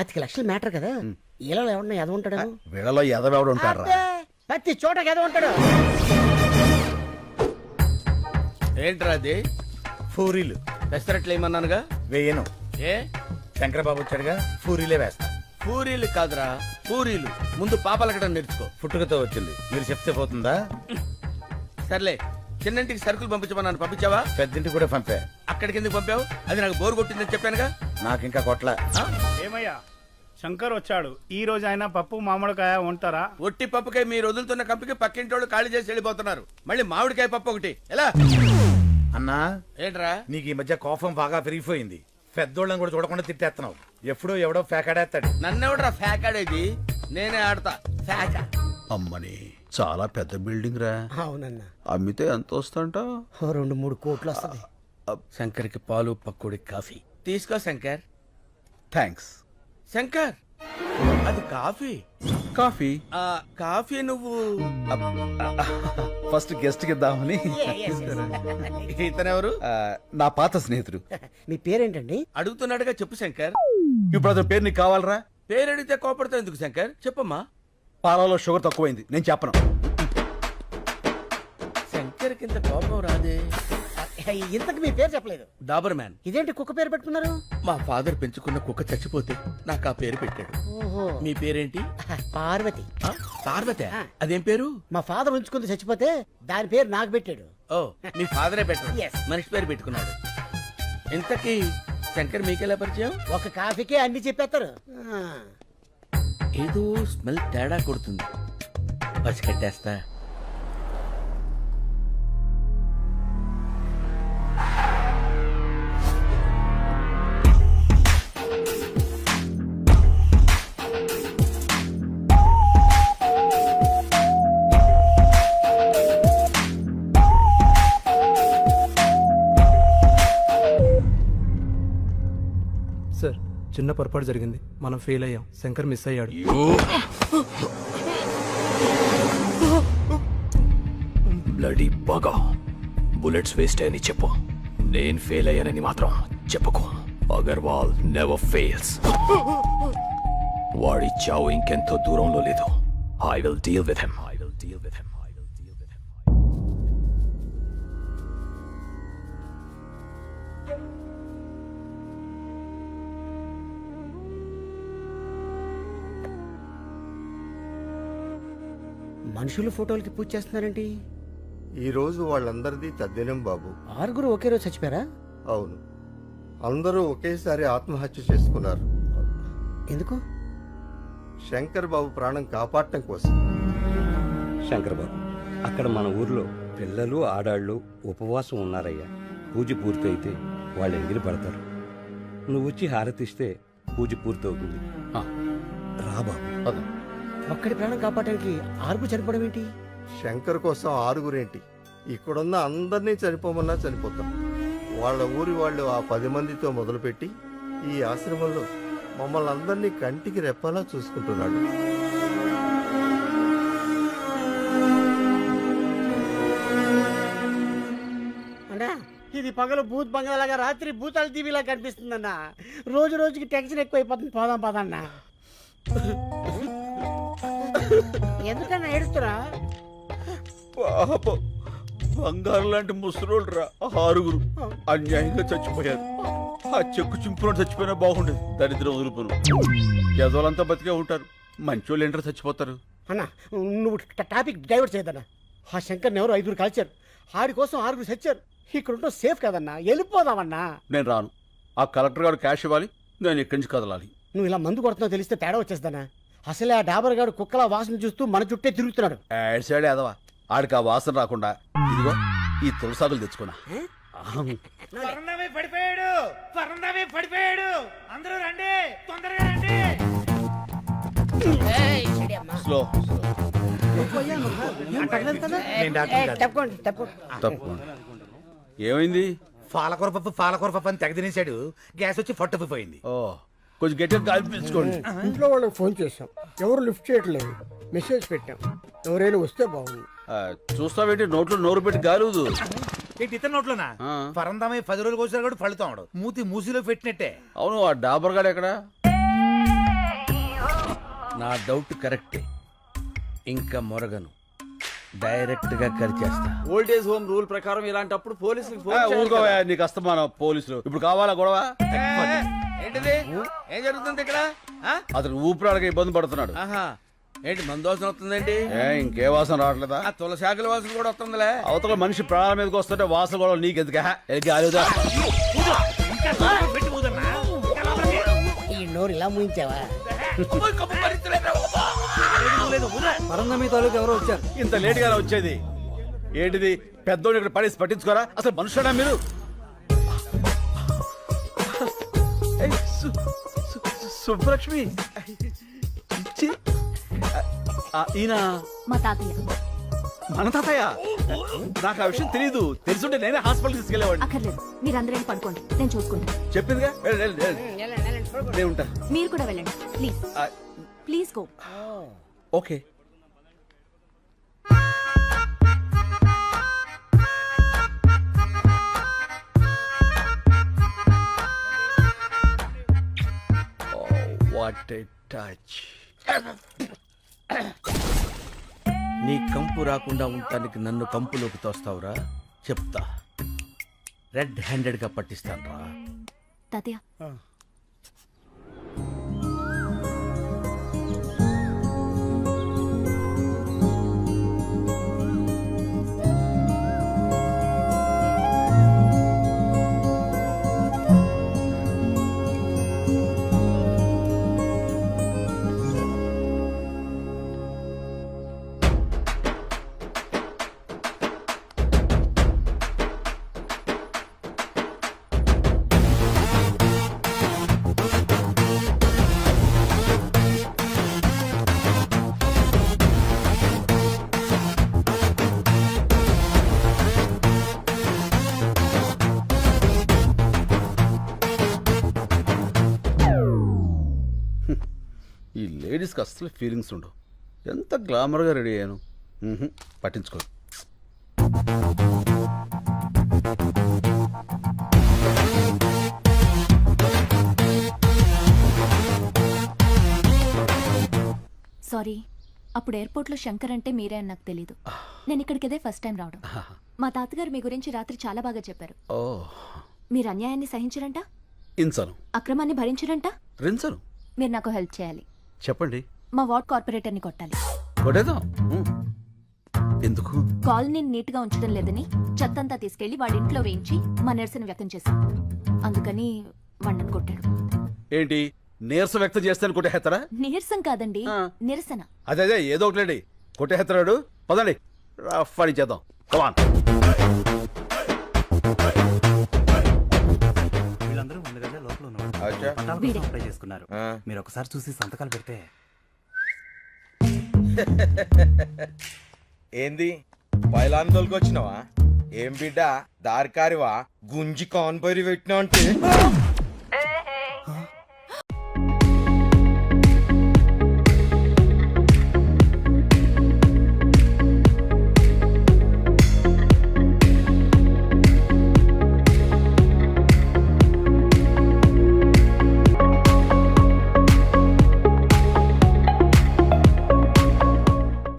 పాతిక లక్షలు మ్యాటర్ కదా ఇలా ఎవడన్నా ఎద ఉంటాడు వీళ్ళలో ఎదవెవడు ఉంటాడు ప్రతి చోట ఎద ఉంటాడు. ఏంట్రా అది? పూరీలు పెసరట్లు ఏమన్నానుగా వేయను. ఏ శంకరబాబు వచ్చాడుగా, పూరీలే వేస్తా. పూరీలు కాదురా పూరీలు. ముందు పాపలకడం నేర్చుకో. పుట్టుకతో వచ్చింది, మీరు చెప్తే పోతుందా? సర్లే, చిన్నంటికి సరుకులు పంపించమన్నాను, పంపించావా? పెద్దింటికి కూడా పంపా. అక్కడికి ఎందుకు పంపావు? అది నాకు బోర్ కొట్టిందని చెప్పానుగా. నాకు ఇంకా కొట్ల. ఏమయ్యా శంకర్ వచ్చాడు, ఈ రోజు ఆయన పప్పు మామిడికాయ ఉంటారా? ఒట్టి పప్పుకాయ మీరు వదులుతున్న కంపికి పక్కింటి వాళ్ళు ఖాళీ చేసి వెళ్ళిపోతున్నారు. మళ్ళీ మామిడికాయ పప్పు ఒకటి ఎలా? అన్నా, ఏంట్రా నీకు ఈ మధ్య కోపం బాగా పెరిగిపోయింది. పెద్దోళ్ళని కూడా చూడకుండా తిట్టేస్తున్నావు. ఎప్పుడో ఎవడో ఫేకాడేస్తాడు. నన్నెవడ్రా ఫ్యాకాడేది? నేనే ఆడతా ఫ్యాకా. అమ్మని చాలా పెద్ద బిల్డింగ్ రా. అవునన్నా, అమ్మితే ఎంత వస్తుంట? 2-3 కోట్లు వస్తుంది. శంకర్కి పాలు పక్కుడి కాఫీ తీసుకో శంకర్. థ్యాంక్స్. శంకర్, అది కాఫీ. కాఫీ ఆ కాఫీ నువ్వు ఫస్ట్ గెస్ట్ కి ఇద్దామని. ఇతనెవరు? నా పాత స్నేహితుడు. మీ పేరేంటండి? అడుగుతున్నాడుగా, చెప్పు శంకర్. ఇప్పుడు అతని పేరు నీకు కావాలరా? పేరు అడిగితే కోపడతావు ఎందుకు శంకర్? చెప్పమ్మా. పాలలో షుగర్ తక్కువైంది, నేను చెప్పను. శంకర్ కింద కోపం రాదే. ఇంతకు మీ పేరు చెప్పలేదు. Doberman. ఇదేంటి కుక్క పేరు పెట్టుకున్నారు? మా ఫాదర్ పెంచుకున్న కుక్క చచ్చిపోతే నాకు ఆ పేరు పెట్టాడు. ఓహో, మీ పేరేంటి? పార్వతి. ఆ, పార్వతి. అదేం పేరు? మా ఫాదర్ ఉంచుకుంది, చచ్చిపోతే దాని పేరు నాకు పెట్టాడు. ఓ, మీ ఫాదరే పెట్టాడు. Yes. మనిషి పేరు పెట్టుకున్నాడు. ఇంతకీ శంకర్ మీకెలా పరిచయం? ఒక కాఫీకే అన్ని చెప్పేస్తారు. ఏదో స్మెల్ తేడా కొడుతుంది, పసికట్టేస్తా. సార్, చిన్న పొరపాటు జరిగింది, మనం ఫెయిల్ అయ్యాం. శంకర్ మిస్ అయ్యాడు. బ్లడీ బాగా బుల్లెట్స్ వేస్ట్ అని చెప్పు. నేను ఫెయిల్ అయ్యానని మాత్రం చెప్పుకో. Agarwal never fails. వాడి చావు ఇంకెంతో దూరంలో లేదు. I will deal with him. మనుషులు ఫోటోలకి పూజ చేస్తున్నారేంటి? ఈ రోజు వాళ్ళందరిది తద్దినం బాబు. 6 ఒకే రోజు చచ్చిపోయారా? అవును, అందరూ ఒకేసారి ఆత్మహత్య చేసుకున్నారు. ఎందుకు? శంకర్ బాబు ప్రాణం కాపాడటం కోసం. శంకర్ బాబు, అక్కడ మన ఊర్లో పిల్లలు ఆడాళ్ళు ఉపవాసం ఉన్నారయ్యా. పూజ పూర్తయితే వాళ్ళు ఎంగిలి పడతారు. నువ్వు వచ్చి హారతిస్తే పూజ పూర్తవుతుంది. రా బాబు. ఒక్కడి ప్రాణం కాపాడడానికి 6 చనిపోవడం ఏంటి? శంకర్ కోసం 6 ఇక్కడున్న అందరినీ చనిపోమన్నా చనిపోతాం. వాళ్ళ ఊరి వాళ్ళు ఆ 10 మందితో మొదలుపెట్టి ఈ ఆశ్రమంలో మమ్మల్ని అందరినీ కంటికి రెప్పలా చూసుకుంటున్నాడు. అన్నా, ఇది పగలు భూత్ బంగాలాగా, రాత్రి భూతాల టీవీలా కనిపిస్తుందన్నా. రోజు రోజుకి టెన్షన్ ఎక్కువైపోతుంది. పోదాం పదన్నా. ఎందుకన్నా ఏడుస్తురా? పాపం, బంగారు లాంటి ముసలోళ్ళు రా 6 అన్యాయంగా చచ్చిపోయారు. ఆ చెక్కు చింపులో చచ్చిపోయినా బాగుండేది. దరిద్రం వదులుపురు. యజోలంతా బతికే ఉంటారు, మంచోళ్ళు ఏంటారు చచ్చిపోతారు. అన్నా, నువ్వు టాపిక్ డైవర్ట్ చేయదన్నా. ఆ శంకర్ని ఎవరు 5 కాల్చారు. ఆడి కోసం 6 చచ్చారు. ఇక్కడ ఉంటే సేఫ్ కదన్నా, వెళ్ళిపోదామన్నా. నేను రాను. ఆ కలెక్టర్ గారు క్యాష్ ఇవ్వాలి, నేను ఇక్కడి నుంచి కదలాలి. నువ్వు ఇలా మందు కొడుతున్నావు తెలిస్తే తేడా వచ్చేస్తానా? అసలే ఆ డాబర్ గారు కుక్కలా వాసన చూస్తూ మన చుట్టే తిరుగుతున్నాడు. యాడ్ సైడ్ ఎదవా, ఆడికి ఆ వాసన రాకుండా ఇదిగో ఈ తులసాకులు తెచ్చుకున్నా. పడిపోయాడు. అందరూ రండి, తొందరగా రండి. స్లో తప్పకుండా. ఏమైంది? పాలకూర పప్పు అని తెగ తినేశాడు. గ్యాస్ వచ్చి ఫట్టుకుపోయింది. ఓ, కొంచెం గట్టిగా గాలి పీల్చుకోండి. ఇంట్లో వాళ్ళకి ఫోన్ చేశాం, ఎవరు లిఫ్ట్ చేయట్లేదు. మెసేజ్ పెట్టాం, ఎవరైనా వస్తే బాగుంది. చూస్తావేంటి, నోట్లో నోరు పెట్టి గాలుదు. ఏంటి ఇతర నోట్లోనా? పరందమై 10 రోజులు కోసారు కూడా ఫలితాడు. మూతి మూసిలో పెట్టినట్టే. అవును, ఆ డాబర్ గాడు ఎక్కడ? నా డౌట్ కరెక్టే. ఇంకా మొరగను, డైరెక్ట్ గా కరిచేస్తా. ఓల్డేజ్ హోమ్ రూల్ ప్రకారం ఇలాంటప్పుడు పోలీసులకు ఫోన్ చేయాలి ఊరుకోవా, కదా. నీకు అస్తమానం పోలీసులు ఇప్పుడు కావాలా గొడవ? ఏంటిది? ఏం జరుగుతుంది ఇక్కడ? ఆ? అతను ఊపిరాడక ఇబ్బంది పడుతున్నాడు. ఆహా, ఏంటి మందోసన వస్తుందేంటి? ఇంకే వాసన రావట్లేదా? ఆ తులసాకుల వాసన కూడా వస్తుందిలే. అవతల మనిషి ప్రాణాల మీదకి వస్తుంటే వాసన గొడవ నీకెందుకా? గాలిదా? ఈ నోరు ఇలా ముయించావా? పరంగమి తాలూకు ఎవరో వచ్చారు. ఇంత లేట్ గానే వచ్చేది ఏంటిది? పెద్దోడు ఇక్కడ పడేసి పట్టించుకోరా? అసలు మనుషుడా మీరు? ఏయ్, సుబ్బలక్ష్మి ఛీ. ఈయన మా తాతయ్య. మన తాతయ్య? నాకు ఆ విషయం తెలియదు. తెలుసుంటే నేనే హాస్పిటల్ తీసుకెళ్లేవాడిని. అక్కర్లేదు, మీరందరూ పడుకోండి, నేను చూసుకుంటాను. చెప్పిందిగా, వెళ్ళు, వెళ్ళు, వెళ్ళు. నేను ఉంటా. మీరు కూడా వెళ్ళండి please. Please go. Okay. What a touch. నీ కంపు రాకుండా ఉండటానికి నన్ను కంపులోకి తోస్తావురా? చెప్తా, రెడ్ హ్యాండెడ్ గా పట్టిస్తాను రా. తాతయ్య ఈ లేడీస్కి అస్సలు ఫీలింగ్స్ ఉండవు. ఎంత గ్లామర్గా రెడీ అయ్యాను. పట్టించుకో. సారీ, అప్పుడు ఎయిర్పోర్ట్లో శంకర్ అంటే మీరే అని నాకు తెలీదు. నేను ఇక్కడికిదే ఫస్ట్ టైం రావడం. మా తాతగారు మీ గురించి రాత్రి చాలా బాగా చెప్పారు. ఓ, మీరు అన్యాయాన్ని సహించరంట, ఇంచను, అక్రమాన్ని భరించరంట. రించను. మీరు నాకు హెల్ప్ చేయాలి. చెప్పండి. మా వార్డ్ కార్పొరేటర్ని కొట్టాలి. కొట్టేద్దాం. ఎందుకు? కాలనీని నీట్గా ఉంచడం లేదని చెత్తంతా తీసుకెళ్లి వాడి ఇంట్లో వేయించి మా నిరసన వ్యక్తం చేశాం. అందుకని వాడిని కొట్టాడు. ఏంటి నీరసం వ్యక్తం చేస్తాను కొట్టేస్తారా? నీరసం కాదండి, నిరసన. అదే ఏదో ఒకటి కొట్టేస్తాడు. పదండి, రఫ్ అని చేద్దాం. కమాన్. వీళ్ళందరూ ముందుగానే లోపల ఉన్నారు. వీడే. అప్లై చేసుకున్నారు. మీరు ఒకసారి చూసి సంతకాలు పెడితే. ఏంది పైలాన్ తోలుకొచ్చినావా? ఏం బిడ్డ దారికారివా? గుంజి కాన్పరి పెట్టినా అంటే